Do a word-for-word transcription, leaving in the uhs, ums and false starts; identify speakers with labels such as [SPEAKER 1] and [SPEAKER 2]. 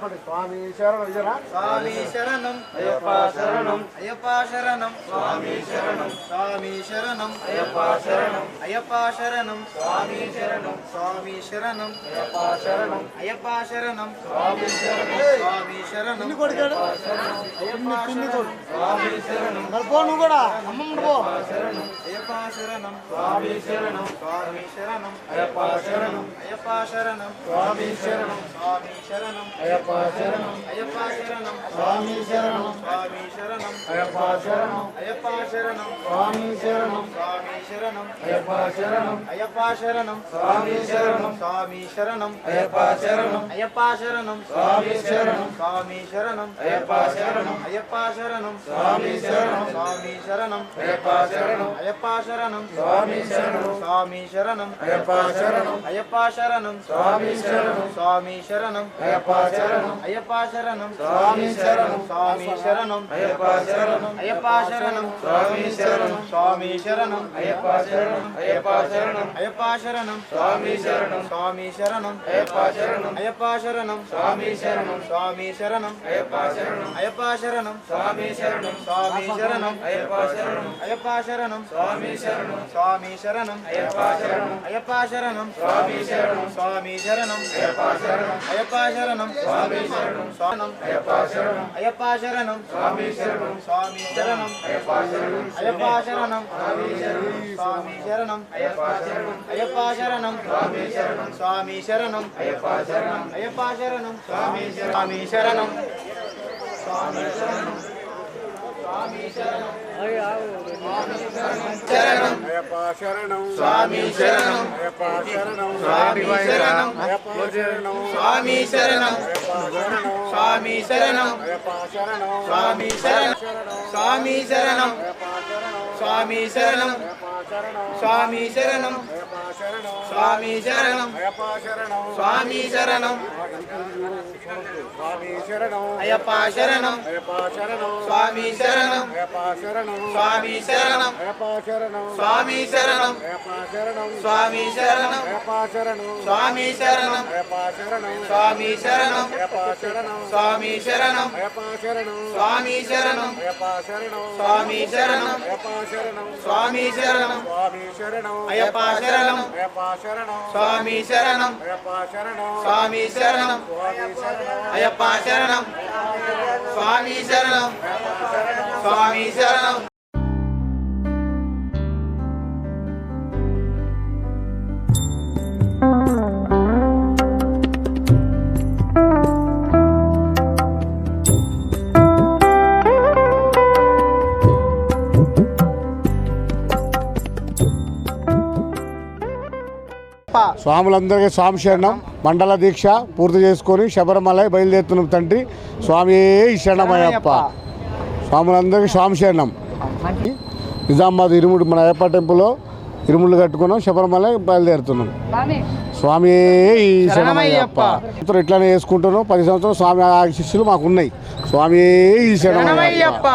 [SPEAKER 1] స్వామి శరణం విజయనా
[SPEAKER 2] స్వామి శరణం
[SPEAKER 1] అయ్యప్ప శరణం
[SPEAKER 2] అయ్యప్ప శరణం
[SPEAKER 1] స్వామి శరణం
[SPEAKER 2] స్వామి శరణం
[SPEAKER 1] అయ్యప్ప శరణం
[SPEAKER 2] అయ్యప్ప శరణం
[SPEAKER 1] స్వామి శరణం
[SPEAKER 2] స్వామి శరణం
[SPEAKER 1] అయ్యప్ప శరణం
[SPEAKER 2] అయ్యప్ప శరణం
[SPEAKER 1] స్వామి శరణం
[SPEAKER 2] స్వామి శరణం
[SPEAKER 1] అయ్యప్ప శరణం స్వామి శరణం
[SPEAKER 2] నువ్వు కూడా అమ్మమ్మ పో
[SPEAKER 1] శరణం
[SPEAKER 2] అయ్యప్ప శరణం
[SPEAKER 1] స్వామి శరణం
[SPEAKER 2] స్వామి శరణం
[SPEAKER 1] అయ్యప్ప శరణం
[SPEAKER 2] అయ్యప్ప శరణం
[SPEAKER 1] స్వామి శరణం
[SPEAKER 2] స్వామి శరణం
[SPEAKER 1] అయ్యప్ప శరణం
[SPEAKER 2] అయ్యప్ప శరణం
[SPEAKER 1] స్వామి శరణం
[SPEAKER 2] స్వామి శరణం
[SPEAKER 1] అయ్యప్ప శరణం
[SPEAKER 2] అయ్యప్ప శరణం
[SPEAKER 1] స్వామి శరణం
[SPEAKER 2] స్వామి శరణం
[SPEAKER 1] అయ్యప్ప శరణం
[SPEAKER 2] అయ్యప్ప శరణం
[SPEAKER 1] స్వామి శరణం
[SPEAKER 2] స్వామి శరణం
[SPEAKER 1] అయ్యప్ప శరణం
[SPEAKER 2] అయ్యప్ప శరణం
[SPEAKER 1] స్వామి శరణం
[SPEAKER 2] స్వామి శరణం
[SPEAKER 1] అయ్యప్ప శరణం
[SPEAKER 2] అయ్యప్ప శరణం
[SPEAKER 1] స్వామి శరణం
[SPEAKER 2] స్వామి శరణం
[SPEAKER 1] అయ్యప్ప శరణం
[SPEAKER 2] అయ్యప్ప శరణం
[SPEAKER 1] స్వామి శరణం
[SPEAKER 2] స్వామి శరణం
[SPEAKER 1] అయ్యప్ప శరణం
[SPEAKER 2] అయ్యప్ప శరణం
[SPEAKER 1] స్వామి శరణం
[SPEAKER 2] స్వామి శరణం
[SPEAKER 1] అయ్యప్ప శరణం
[SPEAKER 2] అయ్యప్ప శరణం
[SPEAKER 1] స్వామి శరణం
[SPEAKER 2] స్వామి శరణం
[SPEAKER 1] అయ్యప్ప శరణం
[SPEAKER 2] అయ్యప్ప శరణం
[SPEAKER 1] స్వామి శరణం
[SPEAKER 2] స్వామి శరణం
[SPEAKER 1] అయ్యప్ప శరణం అయ్యప్ప శరణం
[SPEAKER 2] అయ్యప్ప శరణం
[SPEAKER 1] స్వామి శరణం
[SPEAKER 2] స్వామి శరణం
[SPEAKER 1] అయ్యప్ప శరణం
[SPEAKER 2] అయ్యప్ప శరణం
[SPEAKER 1] స్వామి శరణం
[SPEAKER 2] స్వామి శరణం
[SPEAKER 1] అయ్యప్ప శరణం
[SPEAKER 2] అయ్యప్ప శరణం
[SPEAKER 1] స్వామి శరణం
[SPEAKER 2] స్వామి శరణం
[SPEAKER 1] అయ్యప్ప శరణం
[SPEAKER 2] అయ్యప్ప శరణం
[SPEAKER 1] స్వామి శరణం
[SPEAKER 2] స్వామి శరణం
[SPEAKER 1] అయ్యప్ప శరణం
[SPEAKER 2] అయ్యప్ప శరణం
[SPEAKER 1] స్వామి శరణం
[SPEAKER 2] స్వామి శరణం
[SPEAKER 1] అయ్యప్ప శరణం
[SPEAKER 2] అయ్యప్ప శరణం
[SPEAKER 1] స్వామి శరణం
[SPEAKER 2] స్వానం
[SPEAKER 1] అయ్యప్ప శరణం
[SPEAKER 2] అయ్యప్ప శరణం
[SPEAKER 1] స్వామి శరణం
[SPEAKER 2] స్వామి శరణం
[SPEAKER 1] అయ్యప్ప శరణం
[SPEAKER 2] అయ్యప్ప శరణం స్వామి శరణం
[SPEAKER 1] అయ్యప్ప శరణం
[SPEAKER 2] అయ్యప్ప శరణం
[SPEAKER 1] స్వామి శరణం
[SPEAKER 2] స్వామి శరణం
[SPEAKER 1] అయ్యప్ప శరణం
[SPEAKER 2] అయ్యప్ప శరణం
[SPEAKER 1] స్వామి
[SPEAKER 2] స్వామి శరణం
[SPEAKER 1] స్వామి శరణం
[SPEAKER 2] శరణం
[SPEAKER 1] అయ్యప్ప శరణం
[SPEAKER 2] స్వామి శరణం
[SPEAKER 1] అయ్యప్ప శరణం
[SPEAKER 2] స్వామి శరణం
[SPEAKER 1] అయ్యప్ప శరణం
[SPEAKER 2] స్వామి శరణం స్వామి శరణం
[SPEAKER 1] అయ్యప్ప శరణం
[SPEAKER 2] స్వామి శరణం స్వామి శరణం స్వామి శరణం స్వామి శరణం స్వామి శరణం
[SPEAKER 1] అయ్యప్ప శరణం
[SPEAKER 2] స్వామి శరణం
[SPEAKER 1] స్వామి శరణం
[SPEAKER 2] అయ్యప్ప శరణం
[SPEAKER 1] అయ్యప్ప శరణం
[SPEAKER 2] స్వామి శరణం
[SPEAKER 1] అయ్యప్ప శరణం
[SPEAKER 2] స్వామి శరణం
[SPEAKER 1] అయ్యప్ప శరణం
[SPEAKER 2] స్వామి శరణం
[SPEAKER 1] అయ్యప్ప శరణం
[SPEAKER 2] స్వామి శరణం
[SPEAKER 1] అయ్యప్ప శరణం
[SPEAKER 2] స్వామి శరణం
[SPEAKER 1] అయ్యప్ప శరణం
[SPEAKER 2] స్వామి శరణం
[SPEAKER 1] అయ్యప్ప శరణం
[SPEAKER 2] స్వామి శరణం
[SPEAKER 1] అయ్యప్ప శరణం
[SPEAKER 2] స్వామి శరణం
[SPEAKER 1] అయ్యప్ప శరణం
[SPEAKER 2] స్వామి శరణం
[SPEAKER 1] అయ్యప్ప శరణం
[SPEAKER 2] స్వామి శరణం
[SPEAKER 1] స్వామి శరణం
[SPEAKER 2] అయ్యప్ప శరణం
[SPEAKER 1] అయ్యప్ప శరణం
[SPEAKER 2] స్వామి శరణం
[SPEAKER 1] అయ్యప్ప శరణం
[SPEAKER 2] స్వామి శరణం అయ్యప్ప శరణం స్వామి శరణం స్వామి శరణం
[SPEAKER 3] స్వాములందరికీ స్వామి శరణం. మండల దీక్ష పూర్తి చేసుకొని శబరిమల బయలుదేరుతున్నాం తండ్రి. స్వామి శరణమయ్యప్ప. స్వాములందరికీ స్వామి శరణం. నిజామాబాద్ ఇరుముడు మన అయ్యప్ప టెంపుల్లో ఇరుముళ్ళు కట్టుకున్నాం, శబరిమల బయలుదేరుతున్నాం. స్వామి శరణమయ్యప్ప. ఇట్లానే వేసుకుంటున్నాం. పది సంవత్సరం స్వామి శిష్యులు మాకు ఉన్నాయి. స్వామి శరణమయ్యప్ప.